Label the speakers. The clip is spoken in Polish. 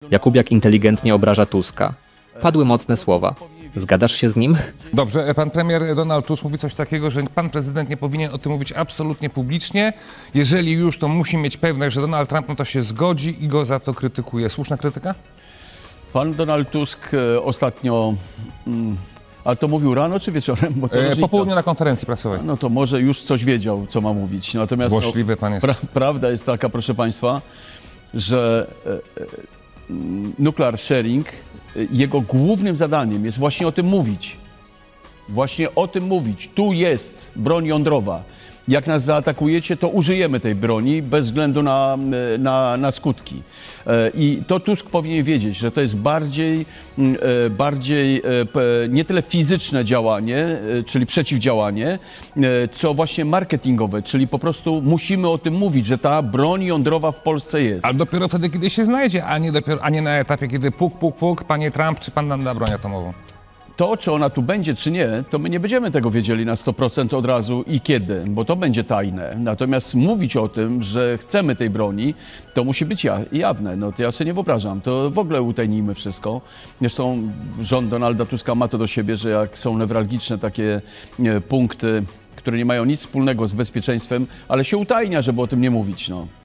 Speaker 1: Jakubiak inteligentnie obraża Tuska. Padły mocne słowa. Zgadzasz się z nim?
Speaker 2: Dobrze, pan premier Donald Tusk mówi coś takiego, że pan prezydent nie powinien o tym mówić absolutnie publicznie. Jeżeli już, to musi mieć pewność, że Donald Trump na to się zgodzi i go za to krytykuje. Słuszna krytyka?
Speaker 3: Pan Donald Tusk ostatnio, ale to mówił rano czy wieczorem? Bo to
Speaker 2: Po
Speaker 3: różnica.
Speaker 2: południu na konferencji prasowej.
Speaker 3: No to może już coś wiedział, co ma mówić. Natomiast
Speaker 2: Złośliwy pan jest.
Speaker 3: prawda jest taka, proszę państwa, że nuclear sharing, jego głównym zadaniem jest właśnie o tym mówić. Właśnie o tym mówić. Tu jest broń jądrowa. Jak nas zaatakujecie, to użyjemy tej broni bez względu na skutki. I to Tusk powinien wiedzieć, że to jest bardziej nie tyle fizyczne działanie, czyli przeciwdziałanie, co właśnie marketingowe, czyli po prostu musimy o tym mówić, że ta broń jądrowa w Polsce jest.
Speaker 2: A dopiero wtedy, kiedy się znajdzie, a nie na etapie, kiedy puk, panie Trump, czy pan nam da broń atomową.
Speaker 3: To, czy ona tu będzie, czy nie, to my nie będziemy tego wiedzieli na 100% od razu i kiedy, bo to będzie tajne. Natomiast mówić o tym, że chcemy tej broni, to musi być jawne. No to ja sobie nie wyobrażam. To w ogóle utajnijmy wszystko. Zresztą rząd Donalda Tuska ma to do siebie, że jak są newralgiczne takie punkty, które nie mają nic wspólnego z bezpieczeństwem, ale się utajnia, żeby o tym nie mówić. No.